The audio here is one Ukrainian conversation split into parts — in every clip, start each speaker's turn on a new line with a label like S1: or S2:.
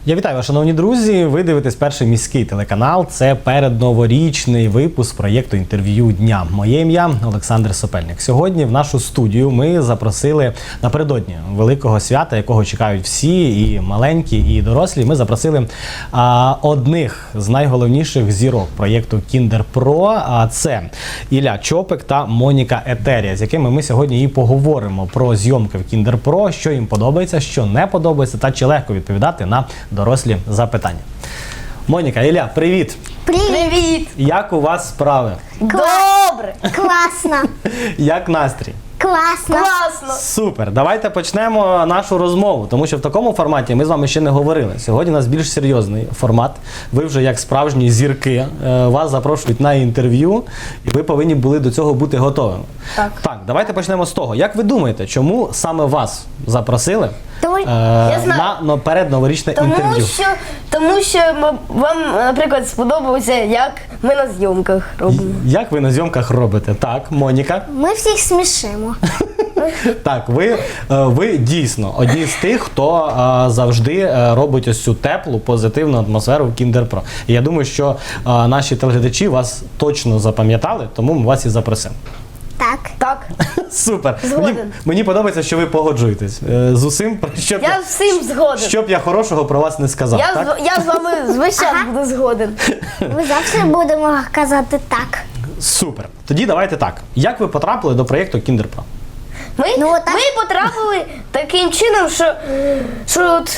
S1: Я вітаю вас, шановні друзі. Ви дивитесь перший міський телеканал. Це передноворічний випуск проєкту інтерв'ю дня. Моє ім'я Олександр Сопельник. Сьогодні в нашу студію ми запросили напередодні великого свята, якого чекають всі, і маленькі, і дорослі. Ми запросили одних з найголовніших зірок проєкту Kinder Pro. А це Ілля Чопик та Моніка Етерія, з якими ми сьогодні і поговоримо про зйомки в Kinder Pro, що їм подобається, що не подобається, та чи легко відповідати на дорослі запитання. Моніка, Ілля, привіт!
S2: Привіт!
S1: Як у вас справи?
S2: Добре!
S3: Класно!
S1: Як настрій?
S3: Класно!
S2: Класно!
S1: Супер! Давайте почнемо нашу розмову, тому що в такому форматі ми з вами ще не говорили. Сьогодні у нас більш серйозний формат. Ви вже як справжні зірки, вас запрошують на інтерв'ю, і ви повинні були до цього бути готовими. Так, давайте почнемо з того. Як ви думаєте, чому саме вас запросили на передноворічне інтерв'ю?
S2: Тому що вам, наприклад, сподобалося, як ми на зйомках робимо.
S1: Як ви на зйомках робите? Так, Моніка?
S3: Ми всіх смішимо.
S1: Так, ви дійсно одні з тих, хто завжди робить ось цю теплу, позитивну атмосферу в Kinder Pro. І я думаю, що наші телеглядачі вас точно запам'ятали, тому ми вас і запросимо.
S3: Так.
S2: Так.
S1: Супер.
S2: Згоден.
S1: Мені подобається, що ви погоджуєтесь з усім,
S2: Я з всім згоден.
S1: щоб я хорошого про вас не сказав. Так?
S2: Я з вами звичайно буду згоден.
S3: Ми завжди будемо казати так.
S1: Супер. Тоді давайте так. Як ви потрапили до проєкту Kinder Pro?
S2: Ми потрапили таким чином, що от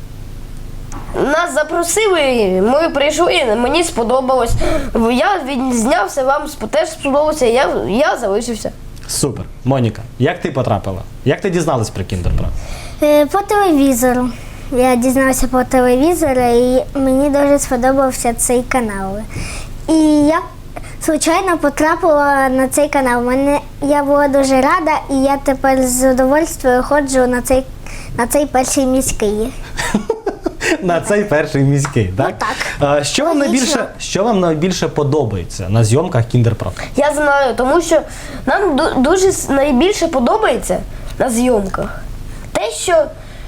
S2: нас запросили, ми прийшли, мені сподобалось. Я відзнявся, вам теж сподобалося, я залишився.
S1: Супер. Моніка, як ти потрапила? Як ти дізналась про Kinder Pro?
S3: По телевізору. Я дізналася по телевізору, і мені дуже сподобався цей канал. І я, звичайно, потрапила на цей канал. Я була дуже рада, і я тепер з задовольствием ходжу на цей перший міський.
S1: На цей перший міський, так?
S3: Так.
S1: Що вам найбільше подобається на зйомках Kinder Pro?
S2: Я знаю, тому що нам дуже найбільше подобається на зйомках те, що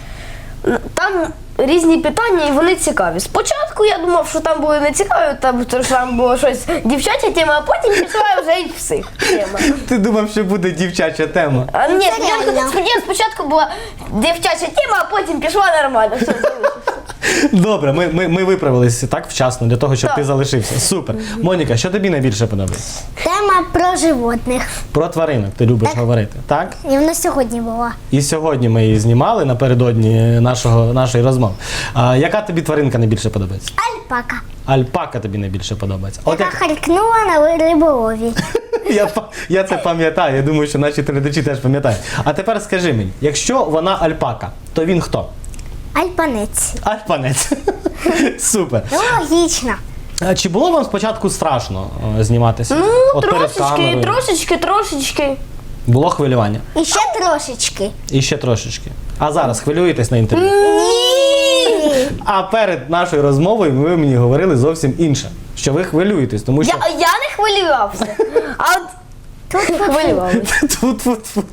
S2: там різні питання і вони цікаві. Спочатку я думав, що там були не цікаві, там було щось дівчача тема, а потім пішла вже і всіх тема.
S1: Ти думав, що буде дівчача тема?
S2: Ні, спочатку була дівчача тема, а потім пішла нормально. Все,
S1: Добре, ми виправилися так вчасно для того, щоб ти залишився. Супер. Моніка, що тобі найбільше подобається?
S3: Тема про животних.
S1: Про тваринок ти любиш говорити, так?
S3: І вона сьогодні була.
S1: І сьогодні ми її знімали напередодні нашої розмови. Яка тобі тваринка найбільше подобається?
S3: Альпака.
S1: Альпака тобі найбільше подобається.
S3: Яка харкнула на риболові.
S1: Я це пам'ятаю, я думаю, що наші телеглядачі теж пам'ятають. А тепер скажи мені, якщо вона альпака, то він хто?
S3: Альпанець.
S1: Альпанець. Супер.
S3: Ну, логічно.
S1: А чи було вам спочатку страшно зніматися?
S2: Ну,
S1: От перед камерою?
S2: трошечки.
S1: Було хвилювання?
S3: І ще трошечки.
S1: І ще трошечки. А зараз хвилюєтесь на інтерв'ю?
S3: Ні!
S1: А перед нашою розмовою ви мені говорили зовсім інше. Що ви хвилюєтесь, тому що...
S2: Я не хвилювався, а от тут хвилювався.
S1: Тут.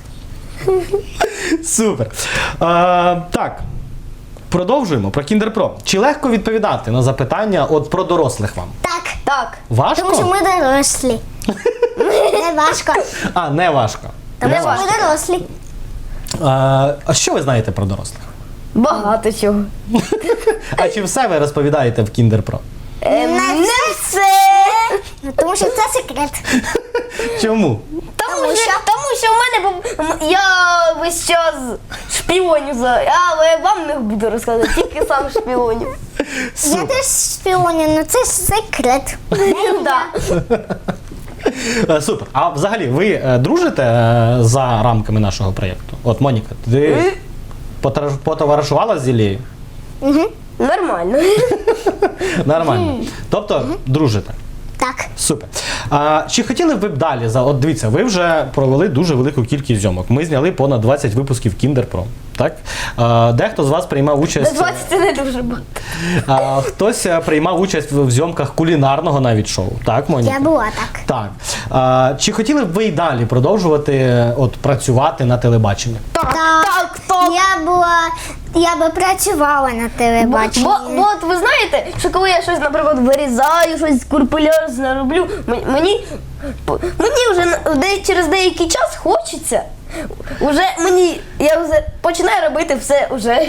S1: Супер. Так, продовжуємо про Kinder Pro. Чи легко відповідати на запитання про дорослих вам?
S2: Так.
S1: Важко?
S3: Тому що ми дорослі. Не важко.
S1: Не важко.
S3: Тому що ми дорослі.
S1: А що ви знаєте про дорослих?
S2: Багато чого.
S1: А чи все ви розповідаєте в Kinder Pro?
S2: Не все.
S3: Тому що це секрет.
S1: Чому?
S2: Тому що в мене я весь час шпіоню, але вам не буду розказувати, тільки сам шпіоню.
S3: Я теж шпіоню, але це секрет.
S1: Супер. А взагалі, ви дружите за рамками нашого проєкту? От, Моніка, ти потоваришувала з Іллею?
S2: Нормально.
S1: Нормально. Тобто, дружите?
S3: Так.
S1: Супер. Чи хотіли б ви б далі? От дивіться, ви вже провели дуже велику кількість зйомок. Ми зняли понад 20 випусків Kinder Pro. Так? Дехто з вас приймав участь...
S2: 20 це не дуже багато.
S1: Хтось приймав участь в зйомках кулінарного навіть шоу. Так, Моніка?
S3: Я була так.
S1: Так. Чи хотіли б ви й далі продовжувати працювати на телебаченні?
S2: Так.
S3: Я була Я би працювала на телебаченні.
S2: Бо от ви знаєте, що коли я щось, наприклад, вирізаю, щось скрупульозно роблю, мені вже через деякий час хочеться, я вже починаю робити все вже.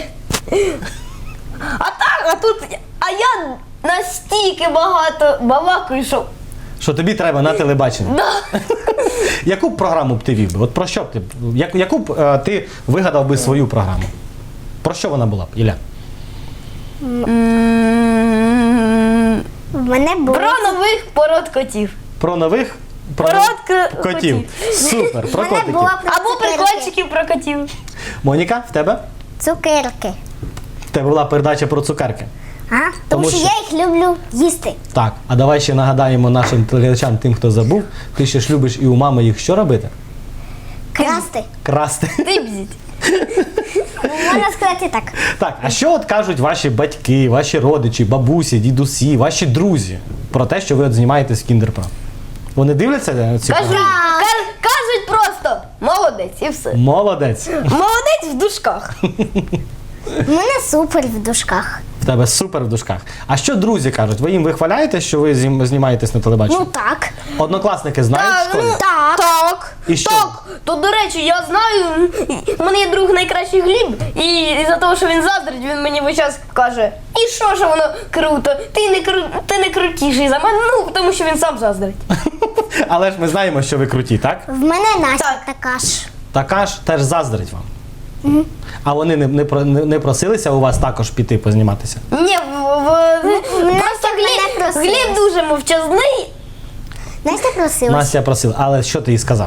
S2: А я настільки багато балакаю, що...
S1: Що тобі треба на телебаченні?
S2: Да.
S1: Яку б програму б ти вів би? От про що б ти? Яку б ти вигадав би свою програму? Про що вона була б, Ілля?
S3: В мене було...
S2: Про нових пород котів.
S1: Про нових
S2: Пород
S1: котів. Супер, про
S3: В мене
S1: котиків.
S3: була про
S2: Або
S3: цукерки.
S2: прикольчиків про котів.
S1: Моніка, в тебе?
S3: Цукерки.
S1: В тебе була передача про цукерки.
S3: Ага,
S1: Тому
S3: тому що
S1: що-
S3: я їх люблю їсти.
S1: Так, а давай ще нагадаємо нашим телеглядачам, тим, хто забув, ти ще ж любиш і у мами їх що робити?
S3: Красти.
S1: Красти.
S2: Дибзіть.
S3: Можна сказати так.
S1: Так, а що от кажуть ваші батьки, ваші родичі, бабусі, дідусі, ваші друзі про те, що ви от знімаєтесь в Кіндер-Про? Вони дивляться ці
S2: Кажуть,
S1: програми?
S2: кажуть просто молодець і все.
S1: Молодець.
S2: Молодець в дужках.
S3: У мене супер в дужках.
S1: В тебе супер в дужках. А що друзі кажуть? Ви їм вихваляєте, що ви знімаєтесь на телебаченні?
S3: Ну так.
S1: Однокласники знають в школі?
S2: Так.
S1: І що?
S2: Так. То, до речі, я знаю, у мене є друг найкращий Гліб, і за того, що він заздрить, він мені весь час каже, і що воно круто, ти не крутіший за мене, ну, тому що він сам заздрить.
S1: Але ж ми знаємо, що ви круті, так?
S3: В мене Настя
S2: Так.
S3: така ж.
S1: Така ж теж заздрить вам. А вони не просилися у вас також піти позніматися?
S2: Ні, просто
S3: мене просила.
S2: Гліб дуже мовчазний.
S3: Настя просилась.
S1: Настя просила, але що ти їй сказала?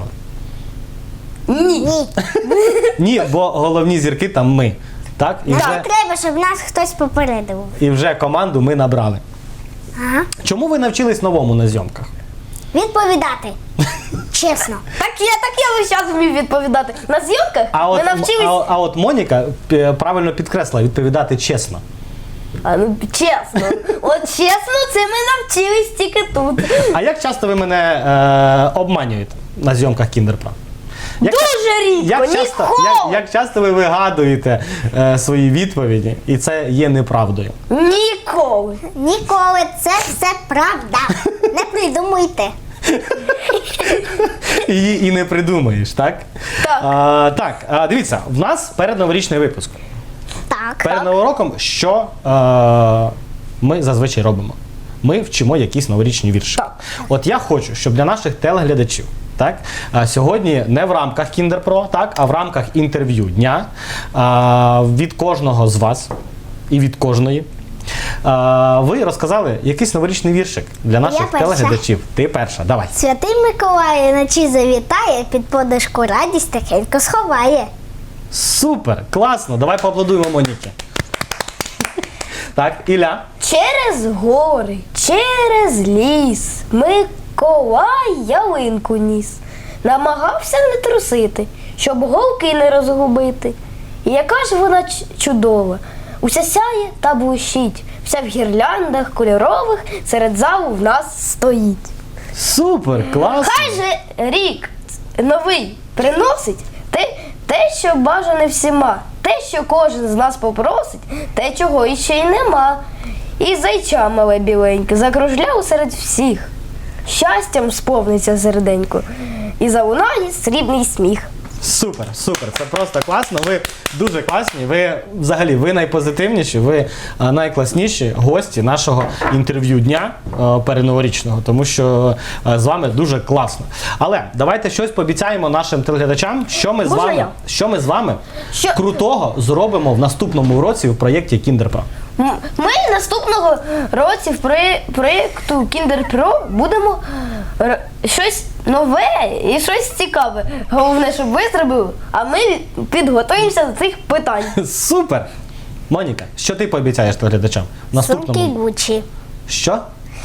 S2: Ні.
S3: Ні.
S1: Ні, бо головні зірки там ми. Так?
S3: Нам треба, щоб нас хтось попередив.
S1: І вже команду ми набрали.
S3: Ага.
S1: Чому ви навчились новому на зйомках?
S3: Відповідати. Чесно.
S2: Так я весь час вмів відповідати. На зйомках ми навчились.
S1: А от Моніка правильно підкреслила відповідати чесно.
S2: Чесно. От чесно, це ми навчились тільки тут.
S1: А як часто ви мене обманюєте на зйомках Кіндер-Про?
S2: Дуже рідко, ніколи.
S1: Як часто ви вигадуєте свої відповіді, і це є неправдою?
S2: Ніколи.
S3: Ніколи це все правда. Не придумуйте.
S1: Її і не придумаєш, так?
S2: Так.
S1: Так, дивіться, в нас передноворічний випуск.
S3: Так.
S1: Перед Новим роком що ми зазвичай робимо? Ми вчимо якісь новорічні вірші.
S2: Так.
S1: От я хочу, щоб для наших телеглядачів, так, сьогодні не в рамках Кіндер-Про, так, а в рамках інтерв'ю дня від кожного з вас і від кожної ви розказали якийсь новорічний віршик для наших
S3: перша.
S1: телеглядачів. Ти перша, давай.
S3: Святий Миколай вночі завітає, під подушку радість тихенько сховає.
S1: Супер, класно, давай поаплодуємо Моніки. Так, Ілля.
S2: Через гори, через ліс Миколай ялинку ніс. Намагався не трусити, щоб голки не розгубити. І яка ж вона чудова, уся сяє та блищить, вся в гірляндах кольорових серед залу в нас стоїть.
S1: Супер, класно.
S2: Хай же рік новий приносить те, що бажане всіма, те, що кожен з нас попросить, те, чого іще й нема. І зайча мале біленьке закружляв серед всіх. Щастям сповниться серденько, і залунає срібний сміх.
S1: Супер, супер, це просто класно. Ви дуже класні. Ви взагалі ви найпозитивніші, ви найкласніші гості нашого інтерв'ю дня передноворічного, тому що з вами дуже класно. Але давайте щось пообіцяємо нашим телеглядачам, що ми з вами
S2: Що?
S1: крутого зробимо в наступному році у проєкті Кіндер-Про.
S2: Ми наступного році в проєкту Кіндер-Про будемо щось нове і щось цікаве. Головне, щоб ви зробили, а ми підготуємося до цих питань.
S1: Супер! Моніка, що ти пообіцяєш телеглядачам? В
S3: Сумки
S1: наступному...
S3: Гучі.
S1: Що?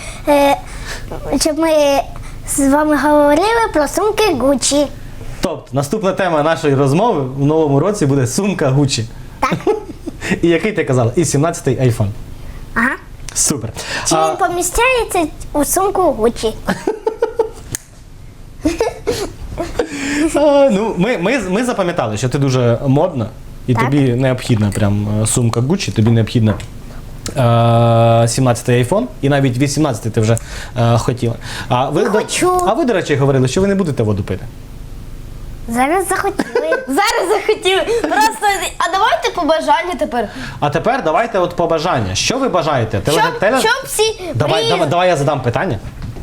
S3: Щоб ми з вами говорили про сумки Гучі.
S1: Тобто, наступна тема нашої розмови в новому році буде сумка Гучі.
S3: Так.
S1: І який ти казала? І 17-й айфон.
S3: Ага.
S1: Супер.
S3: Чи він поміщається у сумку Гучі?
S1: Ну, ми запам'ятали, що ти дуже модна, і
S3: Так.
S1: тобі необхідна прям сумка Gucci, тобі необхідна 17-й iPhone, і навіть 18-й ти вже хотіла. А ви,
S3: хочу.
S1: до речі, говорили, що ви не будете воду пити.
S3: Зараз захотіли.
S2: Зараз захотів. Просто, а давайте побажання тепер.
S1: А тепер давайте от побажання. Що ви бажаєте?
S2: Щоб всі
S1: Давай я задам питання.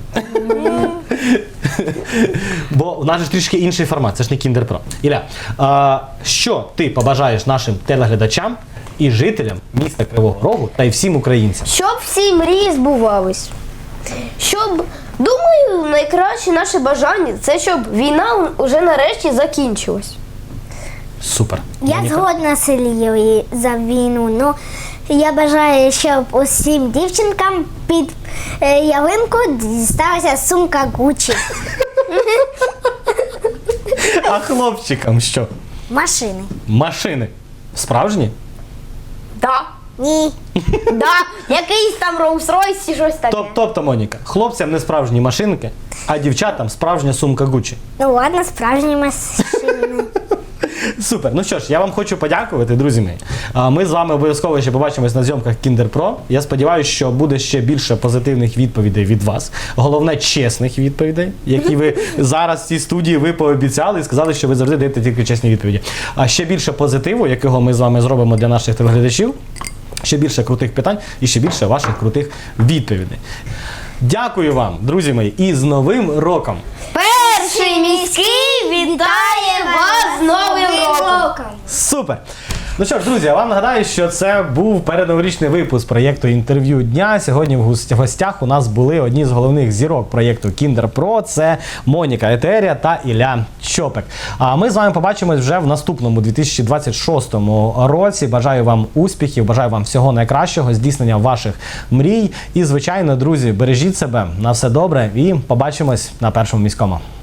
S1: Бо у нас же трішки інший формат, це ж не Kinder Pro. Ілля, що ти побажаєш нашим телеглядачам і жителям міста Кривого Рогу та й всім українцям?
S2: Щоб всі мрії збувались. Щоб, думаю, найкраще наше бажання це щоб війна уже нарешті закінчилась.
S1: Супер.
S3: Я
S1: Моніка?
S3: згодна з Ілією за війну. Ну, я бажаю, щоб усім дівчинкам під ялинку дісталася сумка Gucci.
S1: А хлопчикам що?
S3: Машини.
S1: Машини. Справжні?
S2: Да.
S3: Ні.
S2: Да. Якийсь там Rolls-Royce чи щось таке.
S1: Тобто, Моніка, хлопцям не справжні машинки, а дівчатам справжня сумка Gucci.
S3: Ну ладно, справжні машини.
S1: Супер. Ну що ж, я вам хочу подякувати, друзі мої. Ми з вами обов'язково ще побачимось на зйомках Kinder Pro. Я сподіваюся, що буде ще більше позитивних відповідей від вас. Головне, чесних відповідей, які ви зараз в цій студії ви пообіцяли і сказали, що ви завжди даєте тільки чесні відповіді. А ще більше позитиву, якого ми з вами зробимо для наших телеглядачів. Ще більше крутих питань і ще більше ваших крутих відповідей. Дякую вам, друзі мої, і з Новим роком!
S2: Перший міський вітає вас з Новим роком!
S1: Супер! Ну що ж, друзі, я вам нагадаю, що це був передноворічний випуск проєкту «Інтерв'ю дня». Сьогодні в гостях у нас були одні з головних зірок проєкту Kinder Pro. Це Моніка Етерія та Ілля Чопик. А ми з вами побачимось вже в наступному 2026 році. Бажаю вам успіхів, бажаю вам всього найкращого, здійснення ваших мрій. І, звичайно, друзі, бережіть себе, на все добре і побачимось на Першому міському.